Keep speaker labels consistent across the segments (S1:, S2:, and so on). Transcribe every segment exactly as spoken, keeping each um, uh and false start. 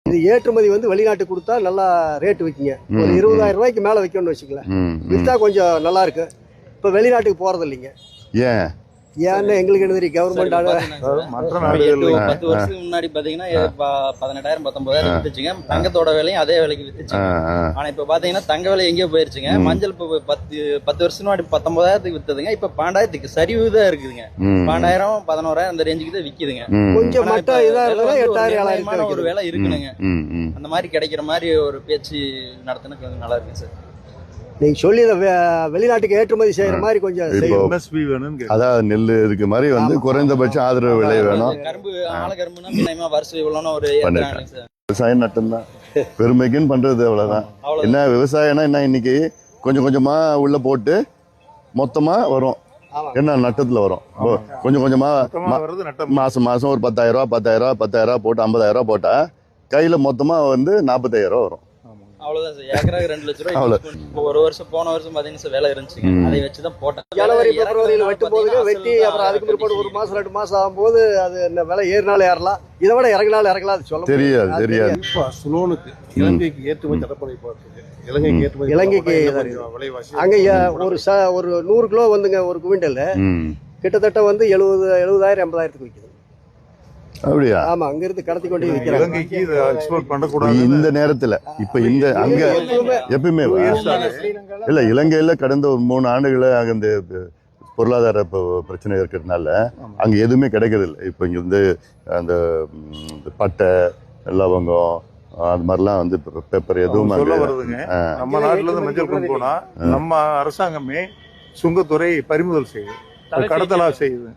S1: இது ஏற்றுமதி வந்து வெளிநாட்டுக்கு கொடுத்தா நல்லா ரேட்டு விற்கிங்க. ஒரு இருபதாயிரம் ரூபாய்க்கு மேலே விற்கணும்னு வச்சுக்கல, விற்றா கொஞ்சம் நல்லா இருக்கு. இப்போ வெளிநாட்டுக்கு போறது இல்லைங்க.
S2: ஏன்
S1: ஏன்னு எங்களுக்கு என்ன தெரியும், கவர்மெண்ட்
S3: மற்ற நாடுகள் பத்து வருஷத்துக்கு முன்னாடி பாத்தீங்கன்னா பதினெட்டாயிரம் பத்தொன்பதாயிரம் வித்துச்சுங்க. தங்கத்தோட விலையும் அதே விலைக்கு வித்துச்சுங்க. ஆனா இப்ப பாத்தீங்கன்னா தங்க விலை எங்கேயோ போயிருச்சுங்க. மஞ்சள் இப்ப பத்து பத்து வருஷம் முன்னாடி பத்தொன்பதாயிரத்துக்கு வித்ததுங்க. இப்ப பன்னெண்டாயிரத்துக்கு சரிவு தான் இருக்குதுங்க. பன்னெண்டாயிரம் பதினோராயிரம் அந்த ரேஞ்சுக்கு தான் விக்குதுங்க.
S1: கொஞ்சம் மட்டும் இதா இருந்தா எட்டாயிரம்
S3: ஒரு விலை இருக்குனுங்க. அந்த மாதிரி கிடைக்கிற மாதிரி ஒரு பேச்சு நடத்தினா கொஞ்சம் நல்லா இருக்குங்க சார்.
S1: நீங்க சொல்லி வெளிநாட்டுக்கு ஏற்றுமதி செய்யற மாதிரி கொஞ்சம்
S2: அதாவது நெல் இருக்கு மாதிரி வந்து குறைந்தபட்ச ஆதரவு விலை வேணும்.
S3: கரும்பு ஆல கரும்புனா வருஷம் இவ்வளோன்னு ஒரு
S2: விவசாயம் நட்டம்தான், பெருமைக்குன்னு பண்றது அவ்வளவுதான். என்ன விவசாயம்னா என்ன, இன்னைக்கு கொஞ்சம் கொஞ்சமா உள்ள போட்டு மொத்தமா வரும். என்ன நட்டத்துல வரும் கொஞ்சம் கொஞ்சமா மாசம் மாசம் ஒரு பத்தாயிரம் ரூபாய் பத்தாயிரம் ரூபாய் பத்தாயிரம் ரூபாய் போட்டு ஐம்பதாயிரம் ரூபாய் போட்டா கையில மொத்தமா வந்து நாற்பத்தாயிரம் ரூபாய் வரும்.
S3: அவ்வளவுதான் சார். ஏக்கராக்கு ரெண்டு லட்சம் ரூபாய். இப்போ ஒரு வருஷம் போன வருஷம் பாத்தீங்கன்னா வேலை இருந்துச்சுங்க, அதை வச்சுதான் போட்டேன்.
S1: ஜனவரி பிப்ரவரியில வெட்டும் போது வெட்டி அப்புறம் அதுக்கு பிற்பாடு ஒரு மாசம் ரெண்டு மாசம் ஆகும்போது அது என்ன விலை ஏறினாலும் ஏறலாம், இதை விட இறங்கினாலும் இறங்கலாம். அது சொல்ல
S2: தெரியாது தெரியாது.
S4: சுலோனுக்கு இலங்கைக்கு ஏற்றுமதி தடப்படை பார்த்துருக்கு. இலங்கைக்கு ஏற்றுமதி
S1: இலங்கைக்கு அங்க ஒரு ஒரு நூறு கிலோ வந்துங்க ஒரு குவிண்டல் கிட்டத்தட்ட வந்து எழுபது எழுபதாயிரம் எண்பதாயிரத்துக்கு விற்குது.
S2: அப்படியா?
S1: ஆமா, அங்க இருந்து கடத்தி கொண்டு விற்கிறாங்க
S2: இந்த நேரத்துல. இப்ப இந்த அங்க எப்பயுமே இல்ல, இலங்கையில கடந்த ஒரு மூணு ஆண்டுகள அங்க இந்த பொருளாதார பிரச்சனை இருக்கிறதுனால அங்க எதுவுமே கிடைக்கிறது இல்லை. இப்ப இங்க வந்து அந்த பட்டை லவங்கம் அது மாதிரிலாம் வந்து பேப்பர் எதுவும்
S4: நம்ம நாட்டுல இருந்து மஞ்சள் கொண்டு போனா நம்ம அரசாங்கமே சுங்கத்துறை பறிமுதல் செய்யுது, கடத்தலா செய்யுது.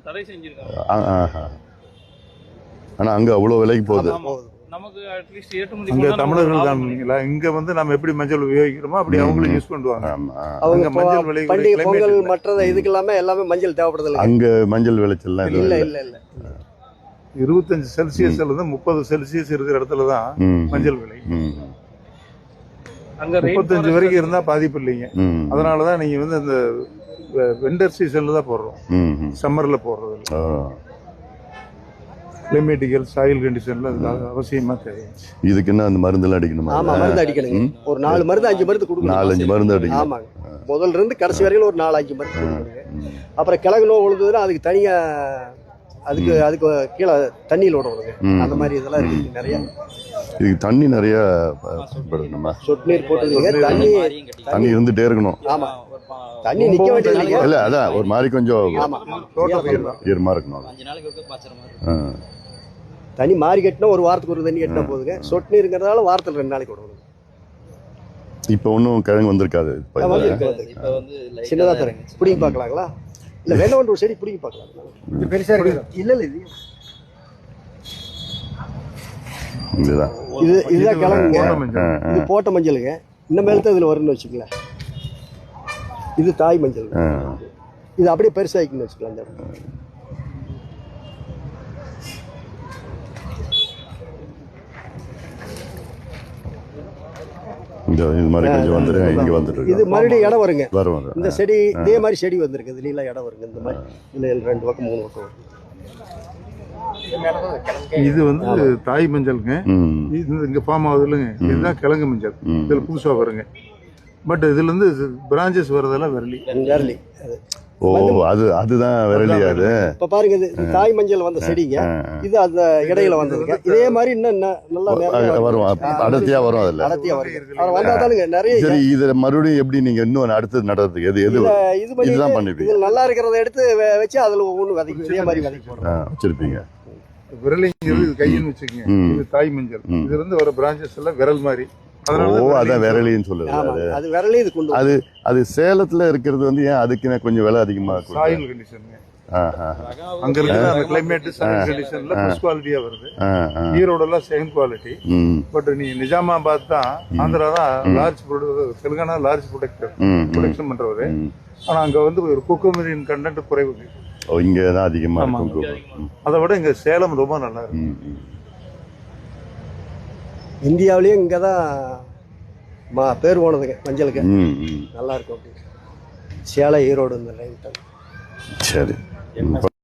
S2: ஆனா அங்க அவ்வளவு விலைக்கு போகுது.
S4: அங்க தமிழர்கள் தான். இங்க வந்து நம்ம எப்படி மஞ்சள் உபயோகிக்கிறோமோ அப்படி அவங்களும் யூஸ் பண்ணுவாங்க. அவங்க மஞ்சள் விலை
S1: பண்டிகை பொங்கல் மற்றது இதுக்கு எல்லாமே எல்லாமே மஞ்சள் தேவைப்படுது.
S2: அங்க மஞ்சள் விளைச்சல்
S1: இல்ல இல்ல இல்ல
S4: இருபத்தஞ்சு செல்சியஸ்ல இருந்து முப்பது செல்சியஸ் இருக்கிற இடத்துலதான் மஞ்சள் விலை. முப்பத்தஞ்சு வரைக்கும் இருந்தா பாதிப்பு இல்லைங்க. அதனாலதான் நீங்க வந்து இந்த விண்டர் சீசன்ல தான் போடுறோம், சம்மர்ல போடுறது இல்லை. கிளைமேட்டிக்கல் சாயில் கண்டிஷன்ல அவசியமா தேவை.
S2: இதுக்கு என்ன அந்த மருந்து எல்லாம் அடிக்கணுமா?
S1: ஆமா, மருந்து அடிக்கணுங்க. ஒரு நாலு மருந்து அஞ்சு மருந்து கொடுக்கணும்.
S2: நாலு அஞ்சு மருந்து அடிக்கணும்.
S1: ஆமாங்க, முதல்ல இருந்து கடைசி வரைக்கும் ஒரு நாலு அஞ்சு மருந்து கொடுக்கணுங்க. அப்புறம் கிழங்கு நோய் விழுந்ததுன்னா அதுக்கு தனியா அதுக்கு அதுக்கு கீழே தண்ணியில் விடணுங்க. அந்த மாதிரி இதெல்லாம் இருக்கு நிறைய.
S2: இதுக்கு தண்ணி நிறைய பயன்படுத்தணுமா?
S1: சொட்டு நீர் போட்டு தண்ணி
S2: தண்ணி இருந்துட்டே இருக்கணும்.
S1: ஆமா, தண்ணி நிக்க வேண்டியது
S2: இல்ல, அதான் ஒரு மாதிரி கொஞ்சம் ஈரமா இருக்கணும்.
S1: தண்ணி மாறி கட்டினா ஒரு வாரத்துக்கு ஒரு தண்ணி கட்டினா போதுங்க. சொட்டு நீருங்கிறதால வாரத்தில் ரெண்டு நாளைக்கு விடணும்.
S2: இப்ப ஒன்னும் கிழங்கு வந்திருக்காது,
S1: சின்னதா தரேன். பிடிங்கி பாக்கலாங்களா? இல்ல வேணா ஒன்று செடி பிடிங்கி பாக்கலாம். பெருசா இருக்கு. இல்ல இல்ல இது
S2: இதுதான்
S1: இது இதுதான் கிழங்குங்க. இது போட்ட மஞ்சளுங்க. இன்னும் மேலத்தை இதுல வரும்னு வச்சுக்கல. இது தாய் மஞ்சள். இது அப்படியே பெருசாகிக்கணும்னு வச்சுக்கலாம். இந்த
S2: இது மாதிரி கொஞ்சம் வந்துருங்க, இங்க வந்துட்டு
S1: இது மறுபடியும் இடம் வருங்க.
S2: வரும்.
S1: இந்த செடி இதே மாதிரி செடி வந்திருக்கு. இதுல இடம் வருங்க. இந்த மாதிரி இல்ல ரெண்டு பக்கம் மூணு பக்கம் வரும்.
S4: இது வந்து தாய் மஞ்சளுங்க. இது இங்க ஃபார்ம் ஆகுது இல்லைங்க, இதுதான் கிழங்கு மஞ்சள். இதுல புதுசா வருங்க. பட் இதுல இருந்து பிரான்சஸ் வரதெல்லாம் விரலி
S1: விரலி.
S2: ஓ, அது அதுதான் விரலி. அது
S1: இப்ப பாருங்க, இது தாய் மஞ்சள் வந்த செடிங்க. இது அந்த இடையில வந்ததுங்க. இதே மாதிரி இன்னும் நல்லா
S2: வரும், அடர்த்தியா வரும். அதுல
S1: அடர்த்தியா வரும். வந்தாதானுங்க நிறைய.
S2: சரி, இது மறுபடியும் எப்படி நீங்க இன்னும் அடுத்தது நடுறதுக்கு எது எது இதுதான் பண்ணுவீங்க?
S1: இது நல்லா இருக்கிறத எடுத்து வச்சு அதுல ஒவ்வொன்று விதைக்கும். இதே மாதிரி விதைக்கு
S2: வச்சிருப்பீங்க.
S4: விரலிங்கிறது இது கையின்னு வச்சுக்கோங்க. இது தாய் மஞ்சள். இதுல இருந்து வர பிரான்சஸ் எல்லாம் விரல் மாதிரி.
S2: அதான் விரலின்னு சொல்லுது.
S1: அது விரலி. இது கொண்டு
S2: அது அது சேலத்துல இருக்கிறது வந்து ஏன் அதுக்கு கொஞ்சம் விலை அதிகமா இருக்கும்?
S4: Soil condition. அங்க இருக்கிற அந்த கிளைமேட் சாயில் கண்டிஷன்ல ஃபர்ஸ்ட் குவாலிட்டியா வருது. ஈரோடு எல்லாம் செகண்ட் குவாலிட்டி. பட் நீ நிஜாமாபாத் தான், ஆந்திரா தான் large producer, Telangana large producer production பண்றவரு. ஆனா அங்க வந்து ஒரு குக்குமரின் கண்டென்ட் குறைவு.
S2: இங்க தான் அதிகமா இருக்கும்.
S4: அதை விட இங்க சேலம் ரொம்ப நல்லா இருக்கு.
S1: இந்தியாவிலேயும் இங்கே தான் பேர் போனதுங்க மஞ்சளுக்கு. நல்லா இருக்கும். அப்படி சேலம் ஈரோடு இந்த லைன்.
S2: சரி.